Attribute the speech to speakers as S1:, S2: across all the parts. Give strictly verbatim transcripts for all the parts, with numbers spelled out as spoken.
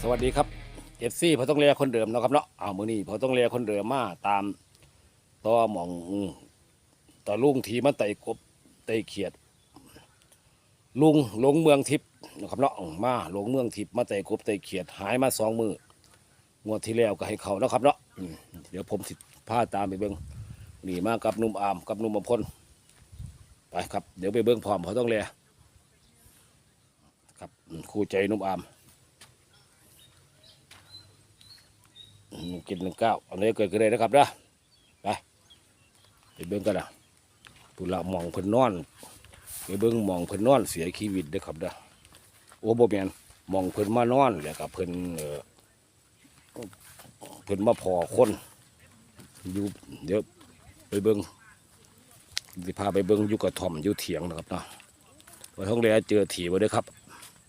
S1: วัสดีครับเอฟซีพอต้องเลียคนเดิมนะครับเนาะเอามือนี้พอต้องเลียคนเดิมมาตามต่อหมองต่อลุงทีมันไต่กบไต่เขียดลุงหลงเมืองทิพย์นะครับเนาะมาหลงเมืองทิพย์มาไต่กบไต่เขียดหายมาสองมืองวดที่แล้วก็ให้เขานะครับเนาะเดี๋ยวผมสิพาตามไปเบิ้งนี่มากับนุ่มอามกับนุ่มอมพลไปครับเดี๋ยวไปเบิ้งพร้อมพอต้องเลียครับคู่ใจนุ่มอามกินหนึ่งเก้าอันนี้เกิดขึ้นเลยนะครับเด้อไปไปเบิ้งกันนะผู้ละมองเพิ่นนอนไปเบิ้งมองเพิ่นนอนเสียชีวิตเด้อครับเด้อโอ้โบแมนมองเพิ่นมานอนแล้วกับเพิ่นเออเพิ่นมาพอคนอยู่เดี๋ยวไปเบิ้งสิพาไปเบิ้งอยู่กระท่อมอยู่เถียงนะครับเนาะว่าท้องเรือเจอถีบไว้ด้วยครับ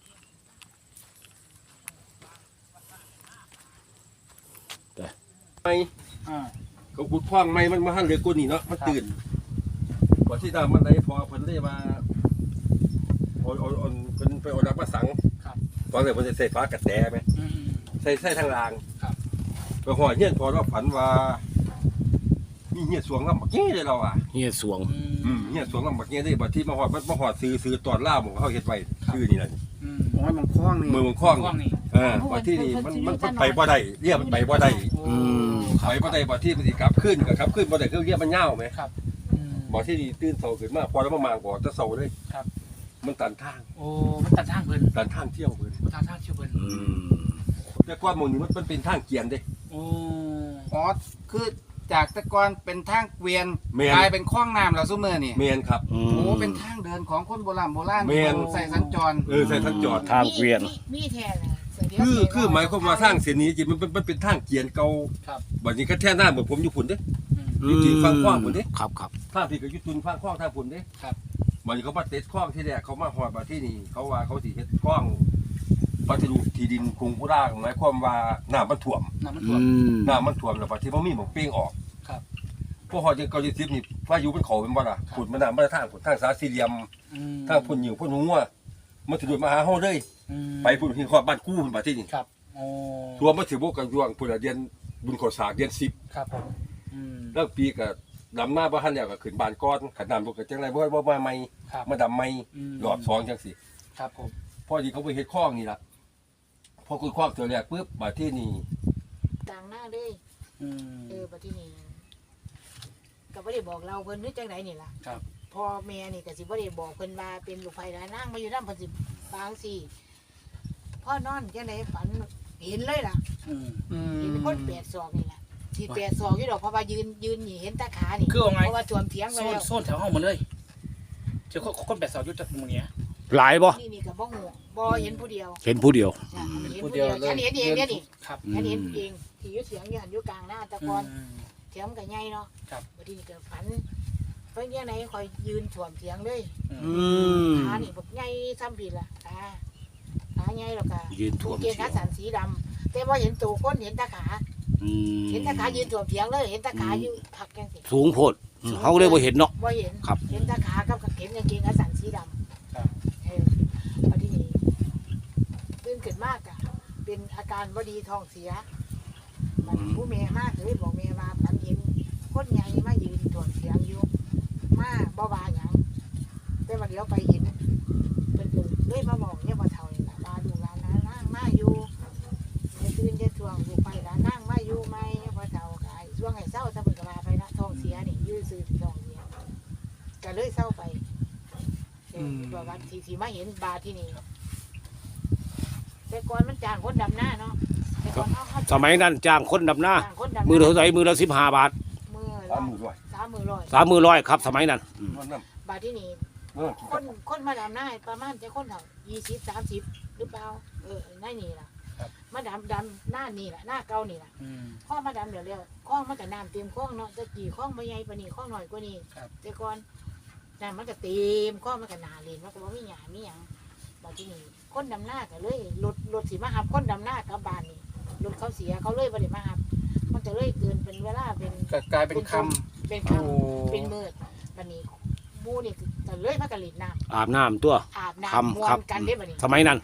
S2: ไม่เขาขุดคว้างไม่มันมาหันเรือกูนี่เนาะมันตื่นกว่าที่ดามันได้พอเพิ่นได้มาอ่อนอ่อนอ่อนเพิ่นไปอ่อนรักมาสังตอนแรกเพิ่นจะใส่ฟ้ากระแสไหมใส่ใส่ทางรางไปหอยเงี้ยพอเราฝันว่ามีเงี้ยสวงลำบักเงี้ยเลยเราอ่ะ
S1: เฮียสวง
S2: อืมเงี้ยสวงลำบักเงี้ยได้บัดที่มาหอดมันมาหอดซื้อซื้อตอนล่าผมเขาเฮ็ดไว้ชื่อนี่แหละ
S3: โอ้ยมันคล้องนี่
S2: มือมันคล้องเออบัดที่นี่มันมันไปบ่ได้เรียกมันไปบ่ได้ไปบ่ได้บัดที่มันสิกลับขึ้นก็ครับขึ้นบ่ได้คือเรียกมันยาวไหม
S3: ครับ
S2: บ่ที่นี่ตื่นเช้าขึ้นมาพอแล้วมามางก่อนจะเช้าเลย
S3: ครับ
S2: มันตันทาง
S3: โอ้มันตัดทางเพิ่น
S2: ตันทางเที่ยวเพิ่น
S3: ตัดทางเที่ยวเพิ่น
S2: แต่ก่อนหมู่นี้มันมันเป็นทางเกียนเด้
S3: โอ้
S4: อ๋อคือจากแต่ก่อนเป็นทางเกวียนกลายเป็นคลองน้ำแล้วซุมื้อนี่
S2: แม่นครับ
S4: โอ้เป็นทางเดินของคนโบราณโบราณใส่สัญจร
S2: เออใส่สัญจร
S1: ทางเกวียน
S5: มีแท้น่ะ
S2: คือคือหมายความว่าทางเส้นนี้จริงมันมันเป็นทางเกียนเก่า
S3: ครับ
S2: บัดนี้ก็แท้หน้าเหมือนผมอยู่พุ่นเด้อยู่ที่ฟังคลองพุ่นเด้
S1: ครับครับ
S2: ทางที่ก็อยู่ตุนฟังคลองทางพุ่นเด้
S3: ครับ
S2: บัดนี้เขามาเต็ดคลองที่แรกเขามาฮอดบัดที่นี่เขาว่าเขาสิเฮ็ดคลองปฏิรูปที่ดินกรุงกุราหมายความว่าน้ำมันท่วม
S3: น้ำมันท่วม
S2: น้ำมันท่วมแล้วบัดที่บ่มีหม้องเป้งออก
S3: ครับ
S2: พวกฮอดจังเกาหลีสิบนี่พายุมันเข้าเป็นบ่ล่ะขุดมันน้ำมาทางขุดทางสาสี่เหลี่ยมทางพุ่นหิวพุ่นหัวมันสิโดดมาหาเฮาเลยไปพุ่นที่ฮอดบ้านกู้พุ่นบัดที่นี่
S3: ครับโอ้
S2: รวมมาถึงพวกกันยวงพุ่นเดือนบุญข้าวสากเดือนสิบ
S3: ครับผมอืม
S2: แล้วปีก็ดำหน้าบ่ทันแล้วก็ขึ้นบ้านก่อนขันน้ำบ่ก็จังได๋บ่บ่มาใหม่มาดำใหม่รอบสองจังซี่
S3: ครับผม
S2: พอดีเขาไปเฮ็ดคลองนี่ล่ะพอขุดคลองตัวแรกปึ๊บบัดที่นี่
S5: ต่างหน้าเลยอืมเออบัดที่นี่ก็บ่ได้บอกเราเพิ่นนึกจังไดนี่ล่ะ
S3: ครับ
S5: พ่อแม่นี่ก็สิบ่ได้บอกเพิ่นว่าเป็นลูกไผหลายนางมาอยู่นำเพิ่นสิบางสิพ่อนอนจังได๋ฝันเห็นเลยล่ะอืมเห็นคนแปดศอกนี่ล่ะที่แปดศอกอยู่ดอกเพราะว่ายืนยืนนี่เห็นตาขานี่เพราะว่าท่วมเถียงไว้แล้ว
S3: โซนแถวห้องหมดเลยเจ้าคนแปดศอกอยู่จังหมู่เนี้ย
S1: หลายบ่
S5: นี่นี่ก็บ่ฮู้บ่เห็นผู้เดียว
S1: เห็นผู้เดียว
S5: ผู้เดียวฉันเห็นเองเนี่ยนี่ครับฉันเห็นเองที่อยู่เถียงอยู่หันอยู่กลางหน้าตะกอนเถียงก็ใหญ่เนาะ
S3: ครับ
S5: บัดนี้ก็ฝันเพิ่นยังไงคอยยืนท่วมเถียงเลย
S1: อืม
S5: ขานี่บักใหญ่ซ้ำผิดล่ะขาขาใหญ่แล้วก็
S1: ยืนท่วม
S5: เกงขาสันสีดำแต่ว่าเห็นตัวคนเห็นตาขาเห็นตาขายืนท่วมเถียงเลยเห็นตาขาอยู่ผักจังซี่
S1: สูงโพดเขาเลยบ่เห็นเนาะ
S5: บ่เห็นเห็นตาขากับเห็นกางเกงขาสันสีดำ
S3: ครับ
S5: เออบัดนี้ตื่นขึ้นมากอะเป็นอาการบ่ดีท้องเสียมันผู้แม่มากเลยบอกแม่มาฝันเห็นคนใหญ่มายืนท่วมเถียงอยู่มาบ่ว่าหยังแต่ว่าเดี๋ยวไปเห็นเป็นเลยมาบอกเนี่ยว่าเท่านี่ล่ะมาดูร้านนั้นนั่งมาอยู่จะตื่นจะท่วงอยู่ไปร้านนั่งมาอยู่ไหมเนี่ยว่าเท่ากายช่วงให้เศร้าถ้าเพิ่นก็มาไปนะท้องเสียนี่ยื้อซื้อท้องเสียก็เลยเศร้าไปเออว่าวันที่ที่มาเห็นบาที่นี่แต่ก่อนมันจ้างคนดำหน้าเนาะ
S1: สมัยนั้นจ้างคนดำหน้ามือเท่าไหร่มือละสิบห้าบาท
S5: มือละสามมือร้อย
S1: สามมือร้อยครับสมัยนั้น
S5: บาทที่นี่คนคนมาดำหน้าประมาณจะคนเท่ายี่สิบสามสิบหรือเปล่าเออนั่นนี่ล่ะมาดำดำหน้านี่แหละหน้าเก่านี่แหละข้อมาดำเดี๋ยวเรียวข้องมันกับน้ำเต็มข้องเนาะจะกี่ข้องมาใหญ่ปนี่ข้องหน่อยกว่านี้แต่ก่อนน้ำมันก็เต็มข้องมันกับนาเลนมันก็บ่มีหยามีหยังบาทที่นี่คนดำหน้าก็เลยรถรถสีมาหับคนดำหน้ากับบ้านนี่รถเขาเสียเขาเลยบริมาหับมันจะเลยเกินเป็นเวลาเป็น
S3: กลายเป็นคำ
S5: เป็นคำเป็นมืดบันนี้บูนี่จะเลยมากระลิดน้
S1: ำอาบน้ำตัว
S5: อาบน้ำมวนกันได้บันนี้
S1: สมัยนั้น
S5: สมัย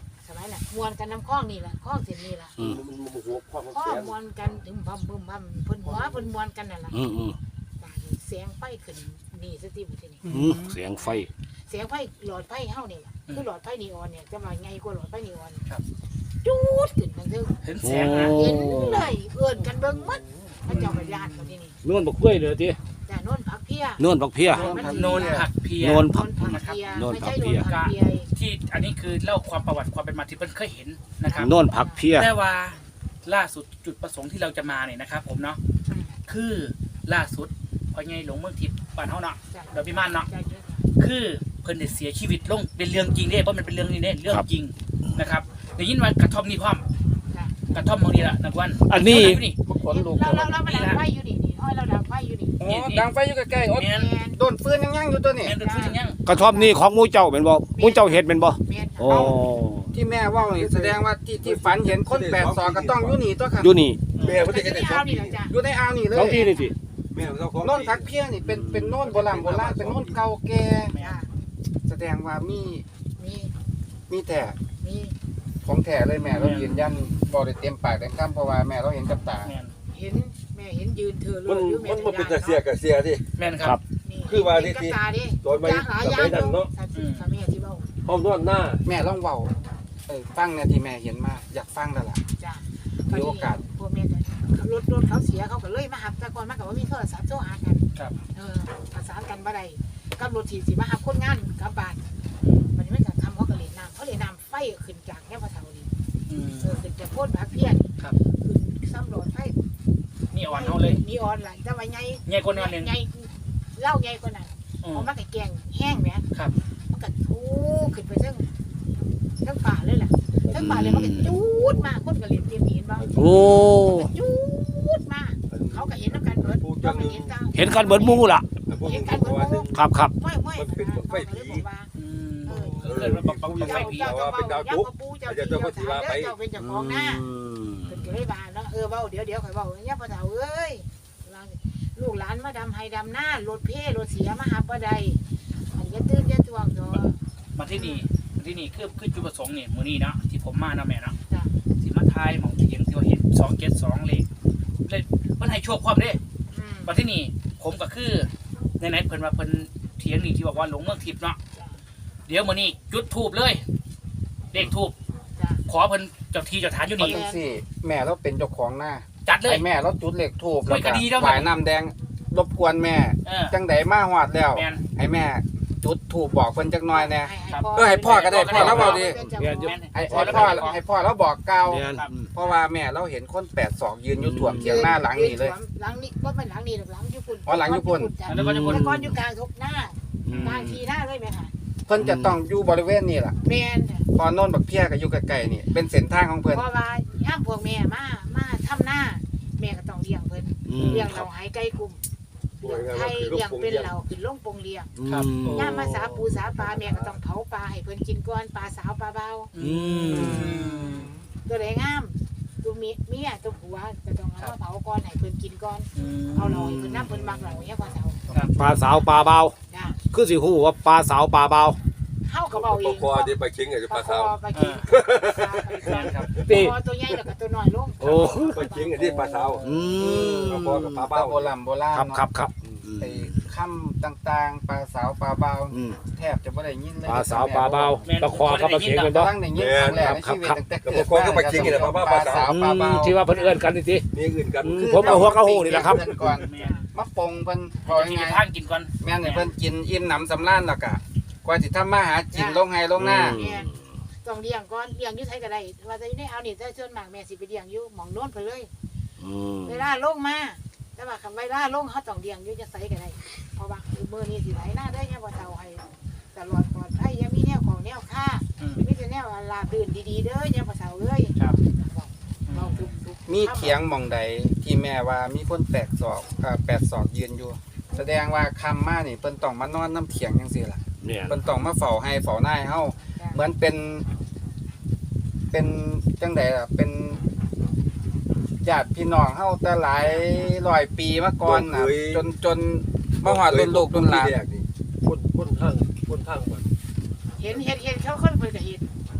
S5: ายน่ะมวนกันน้ำคล้องนี่แหละคล้องเส้นนี่ล่ะ
S1: อืม
S2: มันมันหัวความ
S5: คล้อ
S2: เสี
S5: ง
S2: ย
S5: มวนกันถึงพัมพึมพัมเพิ่นหัวเพิ่นมวนกันนั่นล่ะ
S1: อืมอืม
S5: บาดนี้เสียงไฟขึ้นนี่สติบุตรนี่
S1: อืมเสียงไฟ
S5: เสียงไฟหลอดไฟเฮานี่ล่ะคือหลอดไฟนีออนเนี่ยจะมาไงกว่าหลอดไฟนีออน
S3: ครับ
S5: จูดขึ้นทั้งทึ่ง
S3: เห็นแสงนะ
S5: เห็นเลยเอื้อนกันเบิ่งหมดพระเจ้าก็ญาติกันที่นี่
S1: นวลบักกล้วยเลยที
S5: จ้าโน่นผักเพีย
S1: นวลบักเพีย
S3: โนนผักเพีย
S1: โนน
S5: โน่นผักเพีย
S1: โน่น
S5: ไม่
S1: ผั
S5: ใช่
S1: ก
S5: โน่
S1: เพีย
S5: นผักเพีย
S3: ที่อันนี้คือเล่าความประวัติความเป็นมาที่เพิ่นเคยเห็นนะครับ
S1: นวลผักเพีย
S3: แต่ว่าล่าสุดจุดประสงค์ที่เราจะมาเนี่ยนะครับ ผมเนาะคือล่าสุดพอไงหลงเมืองทิพย์บ้านเฮาเนาะ
S5: จ้ะ
S3: เดี๋ยวพี่ม่านเนาะ
S5: จ้ะจ้ะ
S3: คือเพิ่นได้เสียชีวิตลงเป็นเรื่องจริงเด้เพราะมันเป็นเรื่องนี้เด้เรื่องจริงนะครับได้ยินว่ากระท่อมนี่พร้อม
S5: จ้ะ
S3: กระท่อมบางทีละนักวัน
S1: อันนี้
S3: เท่าไหร่นี่
S4: ขนลุก
S5: เราเราเรามาดังไฟอยู่นี่นี่ห้อยเราดังไฟอยู่นี่
S4: อ๋อดังไฟอยู่ใกล้ๆโอ๊ย
S3: แม่น
S5: แมน
S4: โดนฟืนยังยังอยู่ตัวนี้
S3: แม่นเป็นผู้หญิงยัง
S1: กระท่อมนี่ของหมูเจ้าเป็นบ่หมูเจ้าเฮ็ดเป็นบ่
S5: แมน
S1: โอ้
S4: ที่แม่เว่านี่แสดงว่าที่ที่ฝันเห็นคนแปดศอกก็ต้องอยู่นี่ตัวค่ะ
S1: อยู่นี่
S2: แม่เพิ่น
S5: แต่
S2: จะ
S5: จะ
S2: ได้
S5: ได้
S2: สอ
S5: เอา
S2: ง
S5: นี่แหละจ้ะ
S4: อยู่ในอ่าวนี่เล
S1: ท้องที่
S4: ย
S1: นี่สิ
S2: แม่เจ้าของ
S4: โน่นพักเพี้ยนี่เป็นเป็นโน่นโบราณโบราณเป็นโน่นเก่าแก่
S5: จ้ะ
S4: แสดงว่ามี
S5: มี
S4: มีแต่
S5: มี
S4: ของแท้เลยแม่เรายืนยันบ่ได้เต็มปากเต็มคำเพราะว่าแม่เราเห็นกับตา
S3: แม่น
S5: เห็นแม่เห็นยืนเธอเล
S2: มัน
S5: ยอยู่แม่
S2: มันมันเป็นแต่เสียกับเสียที่
S3: แม่นค
S1: ครั
S3: รับ บ
S5: นี่
S2: คือว่านี่
S5: เห็น
S2: ที่
S5: กับตาดิ
S2: ตอนไม่
S5: ยางหลาย
S2: ตอน
S5: ยา
S2: ไม่
S5: ง
S2: ดันเนาะ
S5: สัตว์สิค่ะแม่ที่เบ้า
S2: ห้องนอนหน้า
S4: แม่ลองเว้าเออฟังเนี่ยที่แม่เห็นมาอยากฟังแล้วล่ะ
S5: จ้ะ
S4: มีโอกาส
S5: พวกแม่ก็รถรถเขาเสียเขาก็เลยมาหับแต่ก่อนมากับว่ามีโทรศัพท์โทรหากัน
S3: ครับ
S5: เออประสานกันบ่ได้กับรถที่สิมาหับคนงานกลับบ้านมันไม่จะทำเขาก็เล่นน้ำเขาเล่นน้ำไฟขึ้นจากแค่พระเสานี่
S3: อืม
S5: เออขึ้นจากโพดผักเพี้ยน
S3: ครับ
S5: ขึ้นซ้ำรถไฟ
S3: นี่อ่อนเฮาเลย
S5: นีออนล่ะแต่ว่าใหญ่
S3: ใหญ่กว่านั้นนึง
S5: ใหญ่เล่าใหญ่กว่านั้น
S3: อืม
S5: เอามากับแกงแห้งแหม
S3: ครับ
S5: มันก็ทูขึ้นไปเทั้งเทั้งป่าเลยล่ะเทั้งป่าเลยมันก็จูดมาคนก็เล่นเตรียมเห็นบ้าง
S1: โอ้
S5: จูดมาเขาก็เห็นน้ำกันเบิดเขาก็เห็นตา
S1: เห็นกันเบิดหมู่ล่ะ
S5: เห็นกันเบิดหมู่
S1: ครับครับ
S5: ไม่ไม่เขาก็เลยบอกว่า
S3: อืม
S5: เออ
S3: เกิดมาบังบังบังไฟ
S5: เจ้า
S3: ผี
S5: เจ้าเจ้าเจ้าเจ้าปูเจ้าที่เจ้าทางเจ้าเป็นเจ้าของหน้า
S1: อืม
S5: เพิ่นก็เลยว่าเนาะเออเว้าเดี๋ยวเดี๋ยวข่อยเว้าเนี่ยพ่อเฒ่าเอ้ยลูกหลานมาดำให้ดำหน้ารถเพ่รถเสียมาหาบ่ได้อันอย่าตื่นอย่าตวงดอก
S3: มาที่นี่มาที่นี่คือคือจุดประสงค์เนี่ยมื้อนี้เนาะที่ผมมาเนาะแม่เนาะ
S5: จ้ะ
S3: สิมาทายหมองเถียงที่ว่าเห็นสองเจ็ดสองเลขเลยมันให้โชคความเด้
S5: อืม
S3: มาที่นี่ผมก็คือในไหนๆเพิ่นว่าเพิ่นเถียงนี่ที่บอกว่าหลงเมืองทิพย์เนาะ
S5: จ้ะ
S3: เดี๋ยวมื้อนี้จุดธูปเลยเลขธูป
S5: จ้ะ
S3: ขอเพิ่นเจ้าที่เจ้าทานอยู่
S4: เพราะ
S3: นี่
S4: จังซี่ แม่เราเป็นเจ้าของหน้า
S3: จัดเลย
S4: ไอ้แม่เราจุดเหล็กทูบ
S3: โอ้
S4: แล้ว
S3: ย
S4: ก็
S3: ก็ดีแล้ว
S4: หวายน้ำแดงรบกวนแม่
S3: เออ
S4: จังไดมาฮอดแล้ว
S3: แม่น
S4: ให้แม่จุดทูบบอกเพิ่นจักหน่อยแน่
S5: ให้
S3: ครับ
S4: เออให้พ่อก็ได้พ่อแล้วเว้าดิ
S5: เป็นเจ้า
S1: แม่
S5: ข
S1: น
S5: อง
S1: อยู่
S3: แม่น
S4: ให้ให้พ่อให้พ่อเราบอกกล่าว
S1: เนี่ย
S4: เพราะว่าแม่เราเห็นคนแปดศอกยืนอยู่ถ่วมเถียงหน้าหลังนี่เลย
S5: หลังนี้บ่แม่นหลังนี้หรอกหลังอยู่พุ่น
S4: อ๋อหลังอยู่พุ่น
S5: จ้ะ
S3: แล้วก็จะ
S5: แต่
S3: คน
S5: ก่อนอยู่กลางทุกหน้า
S1: อืม
S5: กลางทีหน้าเลยแม่ค่ะ
S4: เพิ่นจะต้องอยู่บริเวณนี้ล่ะ
S5: แม่นจ้ะ
S4: พอโน่นบักเพี้ยก็อยู่ใกล้ๆนี่เป็นเส้นทางของเพิ่น
S5: เพราะว่าย่ามพวกแม่มามาทำหน้า แม่ก็ต้องเลี้ยงเพิ่น
S1: อืม
S5: เลี้ยง
S1: ครั
S5: เรา
S1: บ
S5: หายไก่กลุ่มเลี้ยงไข่เลี้ยงเป็นเราขึ้นลงปงเลี้ยง
S3: ครับ
S1: อืม
S5: ย่ามมาสาปูสาปลาแม่ก็ต้องเผาปลาให้เพิ่นกินก่อนปลาสาวปลาเบา
S1: อืม
S5: ตัวไหนงามตัวเมียเมียตัวผัวก็ต้องเอามาเผาก่อนให้เพิ่นกินก่อน
S3: อืม
S5: เอาเราให้เพิ่นน้ำเพิ่นมักเราเนี่ยพ่อเฒ่า
S1: ปลาสาวปลาเบา
S5: จ้ะ
S1: คือสิฮู้ว่าปลาสาวปลาเบา
S5: เฮาก็เว้าเอง
S2: คอเดี๋ยวไปคิงไอ้ปลาสาว
S5: ปลากิน
S3: แม่นครับ
S1: ติ
S5: ปลาตัวใหญ่แล้วก็ตัวน้อยลง
S1: โอ้
S2: ไปคิงไอ้ที่ปลาสาว
S1: อืม
S2: ปลาคอกับปลา
S4: ปลา
S2: เบ้า
S4: โบราณโบราณ
S1: ครับ
S4: เนาะ
S1: ครับครับอืม
S4: ไอ้คำต่างๆปลาสาวปลาเบา
S1: อืม
S4: แทบจะบ่ได้ยินเลย
S1: ปลาสาวปลาเบาปลาคอกับปลาเข็งเป็นบ่
S4: ตั้งได้ยินครั้งแรกในชีวิตตั้งแต่เกิด
S2: ปลาคอก็ไปคิงไอ้ปลาเบ้าปลาสาว
S1: อื
S4: ปลาม เบา
S1: ที่ว่าเพิ่นเอิ้นกันนี่ติ
S2: มีอื่นกัน
S1: อืมผมเอาหัวกระหูนี่แหละครับ
S4: เพิ่นก่อน
S3: แม่น
S4: มาปรุงเพิ่นพอ
S3: จะกิน
S4: ยังไง
S3: ทางกินก่อน
S4: แม่นให้เพิ่นกินอิ่มหนำสำราญแล้วก็กว่าสิทำมาหากินลงไห้ลงหน้า
S1: อืม
S5: ต้องเลี้ยงก่อนเลี้ยงอยู่ไสก็ได้ว่าจะอยู่ในเอานี่แต่ส่วนมากแม่สิไปเลี้ยงอยู่หม่องโน้นไปเลย
S1: อืม
S5: เวลาลงมาแต่ว่าคำเวลาลงเขาต้องเลี้ยงอยู่จะใส่ก็ได้เพราะว่ามือนี้สิไหลหน้าได้เนี่ยพอเฒ่าให้ตลอดปลอดภัยยังมีแนวของแนวค่า
S3: อืม
S5: มีแต่แนวลาบลื่นดีๆเด้อเนี่ยพอเฒ่าเอ้ย
S3: ครับ
S5: เราทุกๆ
S4: มีเถียงหม่องใดที่แม่ว่ามีคนแปดศอกเอ่อแปดศอกยืนอยู่ แสดงว่าคำมานี่เพิ่นต้องมานอนน้ำเถียงจังซี่ล่ะ
S1: เนี่ย
S4: เพิ่นต้องมาเฝ้าให้เฝ้าหน้าให้เฮา
S5: จ้ะ
S4: เหมือนเป็น เป็นจังไดล่ะเป็นญาติพี่น้องเฮาแต่หลายร้อยปีมาก่อนน่ะจนจนมาฮอดรุ่นลูกรุ่นหลาน
S2: คนคนทางคนทางมัน
S5: เห็นเห็นเห็นเขาคนเพิ่นก็เห็น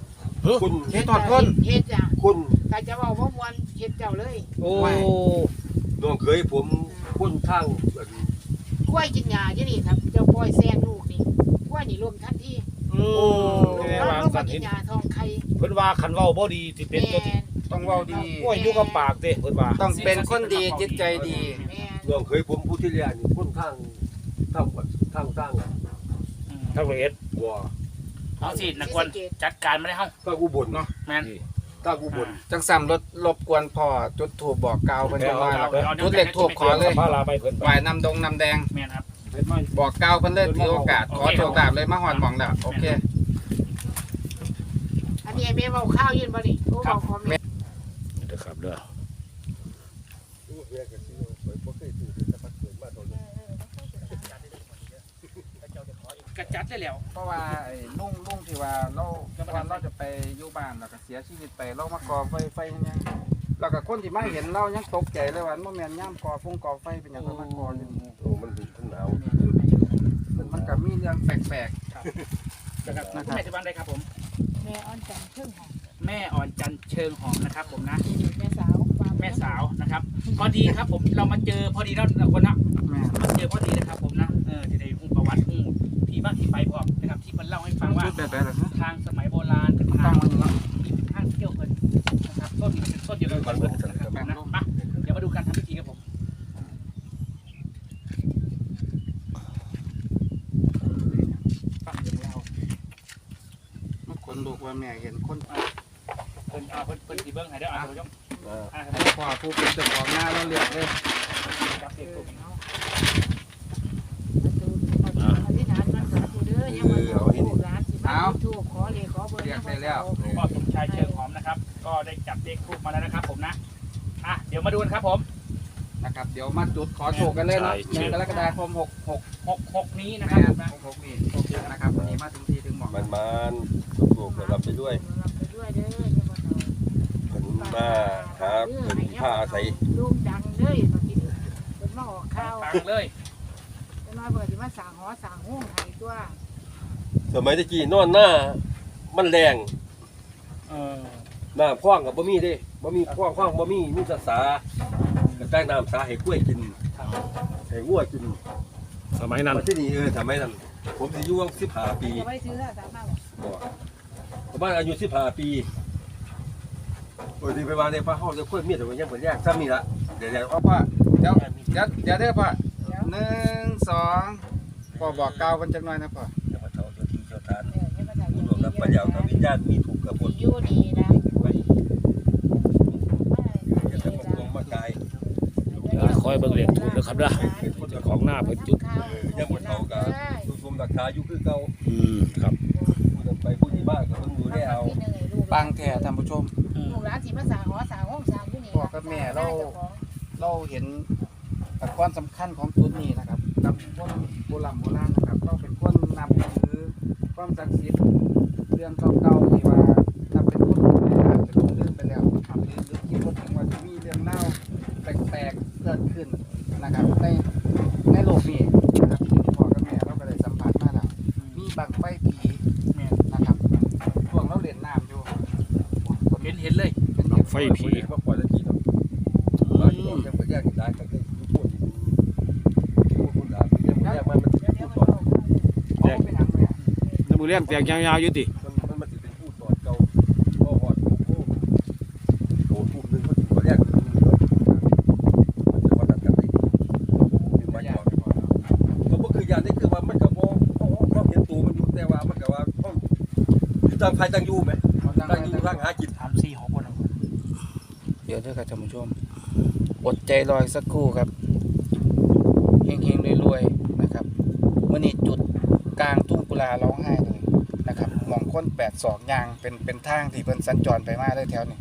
S2: คุณ
S4: เฮ็ดทอดคน
S5: เฮ็ดจ้ะ
S2: คุณ
S5: ถ้าจะเว้าบ่ม่วนเฮ็ดเจ้าเลย
S1: โอ้
S2: น้องเคยผมคนทาง
S5: กล้วยกินหญ้าอยู่นี่ครับเจ้าปล่อยแซงลูกนี่กล้วยนี่รวมทันที
S1: อืม
S5: ลูก
S1: แม่
S5: น้อง
S1: ว่า
S5: ลง
S1: สั
S5: มาน กิ
S1: เห็
S5: น
S1: น
S5: หญ้าทองไข่
S1: เพิ่นว่าคันเว้าบ่ดีสิเป็นตัวที่
S5: แม่น
S4: ต้องเว้าดี
S1: โอ้ยอยู่กับปากเด้เพิ่นว่า
S4: ต้องเป็นคนดีจิตใจดี
S5: แม่น
S2: น้องเคยผมผู้ที่เรียนคนทางทางทางทาง
S3: อืม
S1: ทั้งละเอียด
S2: บัว
S3: เอาสินักกวนจัดการไม่ได้เฮ้า
S2: ทางอุบลเนาะ
S3: แม่น
S2: ทางอุบล
S4: จังซ้ํรถรบกวนพ่อจุดธูปบอกกล่าวเพิ่นจังว่า
S3: เอาเอา
S4: จุดเลขธูปขอเลย
S1: พาลาไปเพิ่น
S4: ไหว้น้ำดงน้ำแดง
S3: แม่นครับ
S1: เฮ็ดมา
S4: บอกกล่าวเพิ่นเลยถือโอกาสขอโชคลาภเลยมาฮอดหม่องแล้วโอเค
S5: อันนี้แม่เว้าข้าวยืนบ่นี่โอ้เว้าขอแม่
S1: เด้อครับเด้อ
S3: กระจัดได้แล้ว
S4: เพราะว่าไอ้ลุงลุงที่ว่าเราวันเราจะไปอยู่บ้านแล้วก็เสียชีวิตไปเรามากอไฟไฟมันยังแล้วก็คนที่มาเห็นเรายังตกใจเลยว่ามันแม่นย่ามกอฟงกอไฟเป็นหยังมากออยู่
S2: โอ้มันมันหนาว
S4: มันก็มีเรื่องแปลก
S3: นะครับคุณแม่จะบ้านได้ครับผม
S5: แม่อ้อนจันทร์เครื่องหอม
S3: แม่อ่อนจันทร์เชิงหอมนะครับผมนะ
S5: แม่สาวฟร์
S3: แม่สาวนะครับ พอดีครับผมเรามาเจอพอดีแล้วนะคนนะ
S4: ๆแม่
S3: มาเจอพอดีนะครับผมนะเออที่ได้หูประวัติหูที่มาที่ไปพร้อมนะครับที่มันเล่าให้ฟังว่า
S4: ชุดแบบๆเหรอฮะ
S3: ทางสมัยโบราณเป็น
S4: ตั้
S3: ทาง ง
S4: มันเนาะ
S3: เป็นทางเที่ยวเพลินนะครับต้นมันเป็นต้นเดียวกันเพิ่นนะครับผมนะมาเดี๋ยวมาดูการทำพิธีครับผม ฟังเรื่องเล่า
S4: มันคนลูกว่าแม่เห็นคน
S3: เพิ่นเอาเพิ่นเพิ่นสีเบิ้งให้ได้ออ่านผู้ชม
S2: อ่า
S3: อ่าน
S4: พ่อผู้เป็นเจ้าของหน้าเราเลือกเลย
S3: จับเด็กตัว
S5: เนาะอธิษฐานมันสาธุเด้อยังมาถูกร้านสิมาถูกขอเลยขอเบอร์
S3: พ่อสมชายเชิงหอมนะครับ ก็ได้จับเลขทูบมาแล้วนะครับผมนะอ่ะเดี๋ยวมาดูกันครับผม
S4: นะครับเดี๋ยวมาจุดขอโชคกันเลยเนาะหนึ่งกรกฎาคมหกหก
S3: หกหกนี้นะค
S4: แม่
S3: รับผมนะ
S4: หกหกนี่โอเคนะครับวันนี้มาถึงที่ถึงหมอง
S2: มันมันลูกๆก็รับไปด้วย
S5: รับไปด้วยเด้อยังมา
S2: เพิ่นมาหาเพิ่นผ้าอาศัย
S5: ลูกดังเด้อมากินเป็นมาออกข้าว
S3: ฟังเลย
S5: เป็นมาเปิดที่มาสั่งหอสั่งห้องไทยตัว
S2: สมัยตะกี้นอนหน้ามันแรง
S3: เออ
S2: น้ำคว้างกับบ่มีเด้บ่มีคว้างคว้างบ่มีมีแต่สาก็แต่งน้ำสาให้กล้วยกินให้งัวกิน
S1: สมัยนั้น
S2: มาที่นี่เออสมัยนั้นผมสิอยู่สิบห้าปี
S5: จะไม่ซื้อแล้วสามารถ
S2: บ่ประมาณอายุสิบห้าปีโอ้ยที่ไปวางในพระเฮาจะกล้วยมีแต่ว่ายังบ่แยกซ้ำนี่ล่ะเดี๋ยวๆ
S4: พ่อพ่อเดี๋ยวเดี๋ยวเดี๋ยวเด้อพ่อหนึ่งสองพ่อบอกกล่าวกันจังหน่อยนะพ่อ
S2: จะมาเท่าเจ้าที่เจ้าทาน
S5: เออยังมาถ่าย
S2: ผู้หลวงรับปัญญากับวิญญาณมีถูกกับผล
S5: อยู่นี่นะ
S2: ไว้อย่าทำมันลงมากาย
S1: คอยเบิ่งเลขถูกเด้อครับเด้อเจ้าของหน้าเพิ่นจุด
S2: เออยังบ่เท่ากับผู้ชมราคาอยู่คือเก่า
S1: อืมครับ
S2: ผู้นำไปผู้ที่บ้านก็เพิ่งดูได้เอา
S4: ปังแท้ท่านผู้ชม
S5: ลูกหลานที่มาสั่งหอสั่งห้องสั่งอยู่นี่
S4: เราเห็นความสำคัญของจุดนี้นะครับกับคนโบราณโบราณนะครับเราเป็นคนนำถือความศักดิ์สิทธิ์เรื่องเก่าๆที่ว่าถ้าเป็นคนอาจจะลงลืมไปแล้วครับหรือหรือคิดว่าถึงว่าจะมีเรื่องเล่าแปลกๆเกิดขึ้นนะครับในในโลกนี้นะครับที่พ่อกับแม่เราก็ได้สัมผัสมาแล้วมีบังไฟผี
S3: แม่
S4: นะครับช่วงเราเล่นน้ำอยู่
S3: เห็นเห็นเลย
S4: เป็น
S1: บั้งไฟผี
S2: มาปล่อยตะกี้เนาะบ้านอยู่ยังบ่แยกกันได้ก็คือพูดอยู่พูดคนด่ายังบ่แยกมันมันพูดตอน
S4: แยกไปหนังเลย
S1: น้ำมือเลี้ยงแตกยาวๆอยู่ติ
S2: มันมันมันสิเป็นพูดตอนเก่าก็ฮอดโอ้โหโหทุ่มนึงมันสิบ่แยกกันเนาะมันจะมาตัดกันได้ถึงมาหยอกก็บ่คือยานนี่คือว่ามันก็บ่เขาเห็นตัวมันอยู่แต่ว่ามันก็ว่าเขาต่างใครต่างอยู่แหมต่างอยู่ต่างหากิน
S3: สามสี่หกคน
S4: เดี๋ยวเด้อครับท่านผู้ชมอดใจรออีกสักครู่ครับเฮงๆรวยๆนะครับมื่อนี้จุดกลางทุ่งกุลาร้องไห้เลยนะครับมองค้นแปดศอกยางเป็นเป็นทางที่เพิ่นสัญจรไปมาได้แถวนี้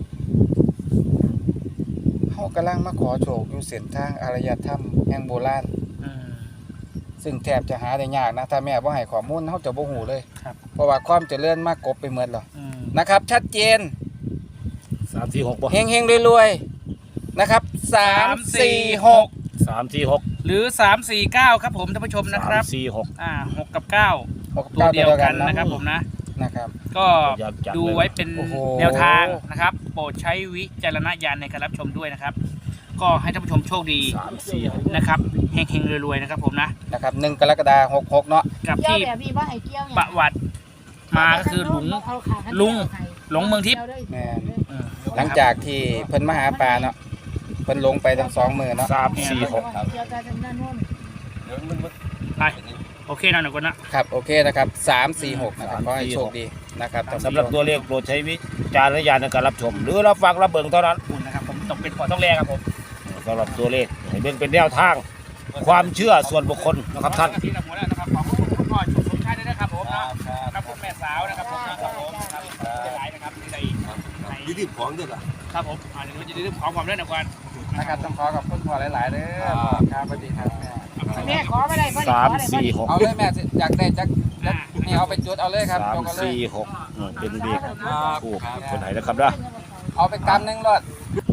S4: เฮากำลังมาขอโชคอยู่เส้นทางอารยธรรมแห่งโบราณ
S3: อืม
S4: ซึ่งแทบจะหาได้ยากนะถ้าแม่บ่ให้ข้อมูลเฮาจะบ่ฮู้เลย
S3: ครับ
S4: เพราะว่าความเจริญมากกบไปหมดแล้ว
S3: อืม
S4: นะครับ ชัดเจน
S1: สามสี่หกบ่
S4: เฮงๆรวยๆนะครับสามสี่หก
S1: สามสี่หก
S3: หรือสามสี่เก้าครับผมท่านผู้ชมนะครับ
S1: สามสี่หก
S3: อ่าหกกับเก้า
S4: หก
S3: ตัวเดียวกันนะครับผมนะ
S4: นะครับ
S3: ก็
S1: อยากจัด
S3: ดูไว้เป็น
S1: โอ้โห
S3: แนวทางนะครับ โปรดใช้วิจารณญาณในการรับชมด้วยนะครับ ก็ให้ท่านผู้ชมโชคดี
S1: สามสี่
S3: นะครับเฮงๆรวยๆนะครับผมนะ
S4: นะครับหนึ่งกรกฎาคมหกหกเนาะ
S3: กับ
S5: เกี่ยว
S3: ที่
S5: แบบพี่ว่าให้เกี่ยวเนี่ย
S3: ประวัติมาก็คือหลง
S5: เอาขาข้า
S3: ลุง หลงเมืองทิพย์
S4: แม่น
S3: อืม
S4: หลังจากที่เพิ่นมาหาปลาเนาะเพิ่นลงไปทั้งสองมือเนาะ
S1: สามสี่หก
S5: เกี่ยวกับทางด้านโน้น
S2: เดี๋ยวมันมัน
S3: ไปโอเคนะหนูคนนะครับ
S4: โอเคนะครับสามสี่หกนะครับขอให้โชคดีนะครับท่านผู้ชม
S1: สำหรับตัวเลขโปรดใช้วิจารณญาณในการรับชม หรือรับฟังรับเบิ่งเท่านั้น
S3: คุณนะครับผมต้องเป็นพอต้องแรกครับผม
S1: สำหรับตัวเลขให้เบิ่งเป็นแนวทาง ความเชื่อส่วนบุคคลนะครับท่าน
S3: ที่เราหมดแล้วนะครับขอบคุณคุณพ่อชุมชนชาติด้วยนะครับผมนะครับคุณแม่สาวนะครับผมนะครับผมครับได้หลายนะครับที่ใดใน
S2: ยืดของด้วยล่ะ
S3: ครับผมอ่าเดี๋ยวเราจะได้เรื่องของความเรื่องนะควัน
S4: นะครับต้องขอขอบคุณพ่อหลายๆเด้อครับสวัสดีครับแม่
S5: แม่ขอไม่ได้พ่อ
S1: สาม
S5: ขอได้พ่อ
S1: สี่หก
S4: เอาเลยแม่สิอยากได้จักจักนี่เอาไปจุดเอาเลยครับ
S1: สาม
S4: ยกเอาเลย
S1: สี่หกอืมเป็นเลขถูกคนไหนนะครับนะ
S4: เอาไปกำหนึ่งรถ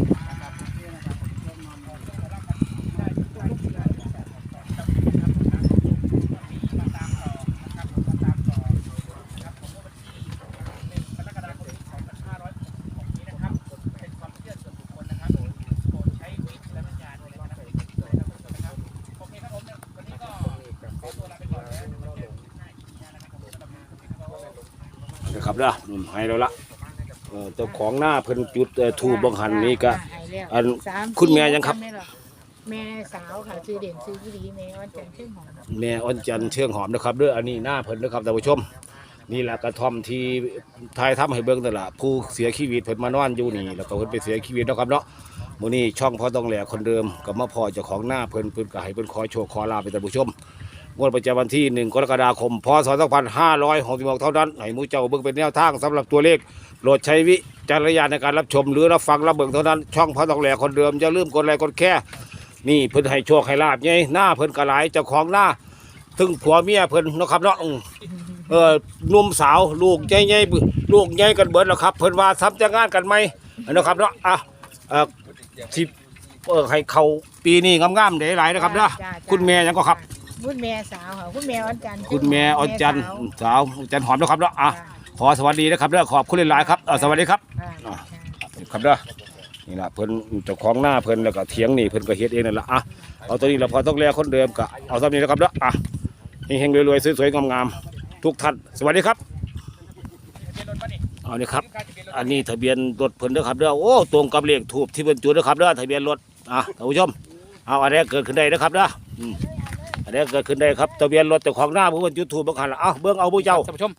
S1: นะครับนะอืมให้เราละเอ่อเจ้าของหน้าเพิ่นจุดเอ่อถูกบังหันนี่ก็อัน
S5: สาม
S1: คุณแม่ยังครับ
S5: แม่สาวค่ะชื่อเด่นชื่อพี่ดีแม่วันจันทร์ชื่อหอม
S1: แม่อ้อนจันทร์เชื่องหอมนะครับเด้ออันนี้หน้าเพิ่นนะครับท่านผู้ชม นี่แหละกระท่อมที่ทายทำให้เบิ่งแต่นละผู้เสียชีวิตเพิ่นมานอนอยู่นี่แล้วก็เพิ่นไปเสียชีวิตเนาะครับเนาะมื้อนี้ช่องพ่อต้องแหลคนเดิมก็มาพอเจ้าของหน้าเพิ่นเพิ่นก็ให้เพิ่นขอโชคขอลาภไปท่านผู้ชมงวดประจำวันที่หนึ่งกรกฎาคมพศสองพันห้าร้อยหกสิบหกเท่านั้นให้หมู่เจ้าเบิ่งเป็นแนวทางสำหรับตัวเลขโปรดใช้วิจารณญาณในการรับชม หรือรับฟังรับเบิ่งเท่านั้นช่องพ่อต้องแหลคนเดิมอย่าลืมกดไลค์กดแชร์นี่เพิ่นให้โชคให้ลาภไงหน้าเพิ่นก็หลายเจ้าของหน้าถึงผัวเมียเพิ่นเนาะครับเนาะอืม เออหนุ่มสาวลูกใหญ่ๆลูกใหญ่กันเบิดแล้วครับเพิ่นว่าทำจะงานกันไหมนะครับเนาะอ่ะเออสิเออให้เขาปีนี้งามๆได้หลายนะครับเนาะคุณแม่ยังก็ครับ
S5: คุณแม่สาวค่ะคุณแม่วันจันทร์
S1: คุณแม่ออนจันทร์
S5: สาว
S1: สาวจันหอมนะครับเนาะอ่ะขอสวัสดีนะครับเด้อขอบคุณหลายๆครับเออสวัสดีครับ
S5: ค่ะ
S1: ครับเด้อนี่ล่ะเพิ่นเจ้าของหน้าเพิ่นแล้วก็เถียงนี่เพิ่นก็เฮ็ดเองนั่นล่ะอ่ะเอาตัวนี้เราพอต้องแลคนเดิมก็เอาซ้ำนี้นะครับเด้ออ่ะเฮงๆรวยๆสวยๆงามๆทุกท่านสวัสดีครับเอานี่ครับ อันนี้ทะเบียนรถเพิ่นเด้อครับเด้อโอ้ตรงกับเลขทูบที่เพิ่นจุดเด้อครับเด้อทะเบียนรถอ่ะท่านผู้ชมเอาอันนี้เกิดขึ้นได้นะครับเด้ออืมอันนี้เกิดขึ้นได้ครับทะเบียนรถเจ้าของหน้าผู้เพิ่นจุดทูบบังคันละเอ้าเบิ่งเอาผู้เจ้า
S3: ท่านผู้ชม